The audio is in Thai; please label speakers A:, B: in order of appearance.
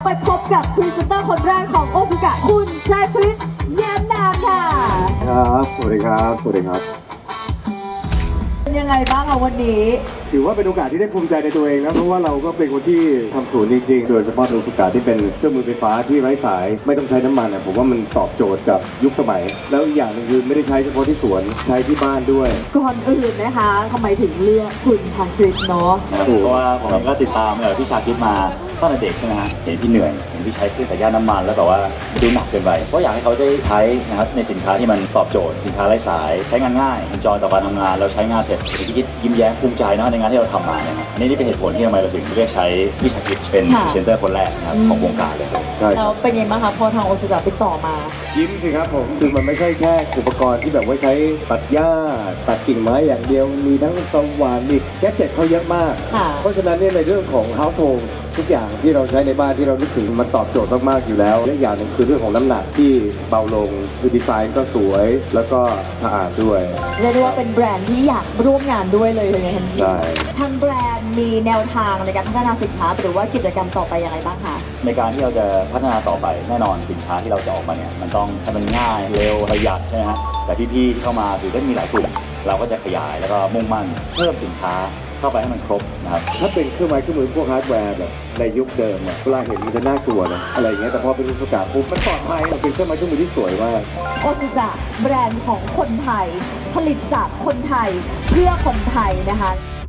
A: ไปพบกับพรีเซนเตอร์คนแรกของโอซุกะคุณชายพฤกษ์แย้มนามค่ะ
B: ครับสวัสดีครับสวัสดีครับ
A: เป็นยังไงบ้างคะวันนี้
B: ถือว่าเป็นโอกาสที่ได้ภูมิใจในตัวเองนะเพราะว่าเราก็เป็นคนที่ทำศูนย์จริงๆโดยเฉพาะโอซุกะที่เป็นเครื่องมือไฟฟ้าที่ไร้สายไม่ต้องใช้น้ำมันผมว่ามันตอบโจทย์กับยุคสมัย แล้วอีกอย่างหนึงคือไม่ได้ใช้เฉพาะที่สวนใช้ที่บ้านด้วย
A: ก่อนอื่นนะคะทำไมถึงเลือกคุณชายพฤกษ์เนาะ
C: เพราะว่าผมเองก็ติดตามพี่ชาคิดมาตั้งแต่เด็กใช่ไหมฮะเห็นพี่เหนื่อยเห็นพี่ใช้เครื่องแต่ย่านน้ำมันแล้วแบบว่าดูหนักเกินไปก็อยากให้เขาได้ใช้นะครับในสินค้าที่มันตอบโจทย์สินค้าไร้สายใช้งานง่ายเอนจอยต่อการทำงานแล้วใช้งานเสร็จพี่คิดยิ้มแย้มภูมิใจนะในงานที่เราทำมาเนี่ยครับอันนี้เป็นเหตุผลที่ทำไมเราถึงเลือกใช้พี่ชาคิดเป็นพรีเซนเตอร์คนแรกนะครับของวงการเลยครับ
B: ใช่ค
A: แล้
B: รั
A: ว
B: บ
A: เป็นยังไงบ้างคะพอทางโอซุกะติดต่อมา
B: ยิ้มสิครับผมคือมันไม่ใช่แค่อุปกรณ์ที่แบบว่าใช้ตัดหญ้าตัดกิ่งไม้อย่างเดียวมีทั้งสว่านมีแกดเจ็ตเขาเยอะมาก
A: ค่ะ
B: เพราะฉะนั้นเนี่ยในเรื่องของ household ทุกอย่างที่เราใช้ในบ้านที่เรานึกถึงมันตอบโจทย์มากๆอยู่แล้วและอีกอย่างหนึ่งคือเรื่องของน้ำหนักที่เบาลงคือดีไซน์ก็สวยแล้วก็สะอาดด้วย
A: เรียกได้ว่าเป็นแบรนด์ที่อยากร่วมงานด้วยเลยอย่างเงี้ยทันที
B: ใช่
A: ทางแบรนด์มีแนวทางในการพัฒนาสินค้าหรือว่ากิจกรรมต่อไปยังไงบ้างคะ
C: ในการที่เราจะพัฒนาต่อไปแน่นอนสินค้าที่เราจะออกมาเนี่ยมันต้องให้มันง่ายเร็วประหยัดใช่ไหมฮะแต่พี่ๆที่เข้ามาคือก็มีหลายกลุ่มเราก็จะขยายแล้วก็มุ่งมั่นเพิ่มสินค้าเข้าไปให้มันครบนะครับ
B: ถ้าเป็นเครื่องไม้เครื่องมือพวกฮาร์ดแวร์แบบในยุคเดิมเวลาเห็นมันจะน่ากลัวนะอะไรอย่างเงี้ยแต่พอเป็นอุปกรณ์ปุ๊บมันปลอดภัยมันเป็นเครื่องไม้เครื่องมือที่สวยมาก
A: โอซุกะแบรนด์ของคนไทย ผลิตจากคนไทยเพื่อคนไทยนะคะ